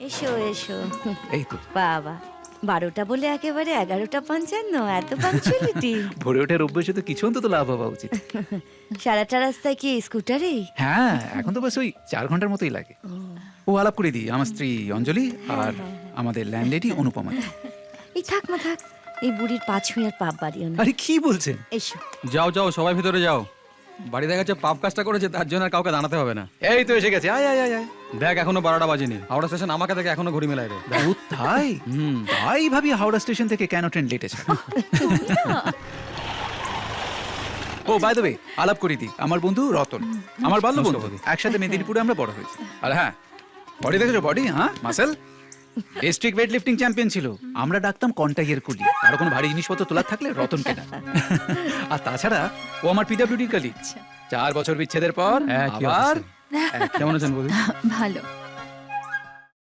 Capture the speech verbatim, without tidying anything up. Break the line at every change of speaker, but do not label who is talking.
এসো এসো।
এই তো
বাবা, বারোটা বলে একেবারে এগারোটা পঞ্চান্ন, এত পাঞ্চুয়ালিটি।
ভোরে ওঠার অভ্যেসে তো কিছু অন্তত লাভ হওয়া উচিত।
সারাটা রাস্তায় কি স্কুটারেই?
হ্যাঁ, এখন তো বাস ওই চার ঘন্টার মতোই লাগে। ও আলাপ করে দিই, আমার স্ত্রী অঞ্জলি আর আমাদের ল্যান্ডলেডি অনুপমা।
এই থাক মা থাক, এই বুড়ির পা ছুঁয়ে আর পাপ বাড়িও না।
আরে কি বলছেন?
এসো।
যাও যাও সবাই ভিতরে যাও। বাড়ি দেখা যাচ্ছে পাপ কাজটা করেছে, তার জন্য আর কাউকে দাঁড়াতে হবে না।
এই তো এসে গেছে, আয় আয় আয় আয়।
দেখ এখনো বারোটা বাজেনি, হাওড়া স্টেশন আমাকে থেকে এখনো ঘড়ি মেলায় রে।
ও তাই?
হুম।
তাই ভাবি হাওড়া স্টেশন থেকে কেন ট্রেন লেট আছে। ও বাই দ্য ওয়ে, আলাপ করে দিই, আমার বন্ধু রতন, আমার বাল্য বন্ধু। একসাথে মেদিনীপুরে আমরা বড় হয়েছি। আর হ্যাঁ, বডি দেখেছো? বডি, হ্যাঁ, muscle. District weightlifting champion ছিল। আমরা ডাকতাম কন্টাইয়ের কুলি। আর কোনো ভারী জিনিসপত্র তোলার থাকলে রতন কেনা। আর তাছাড়া ও আমার পিডব্লিউডি কলিগ। চার বছর বিচ্ছেদের পর
হ্যাঁ, কি
আবার
অবস্থা? কেমন আছেন বৌদি?
ভালো।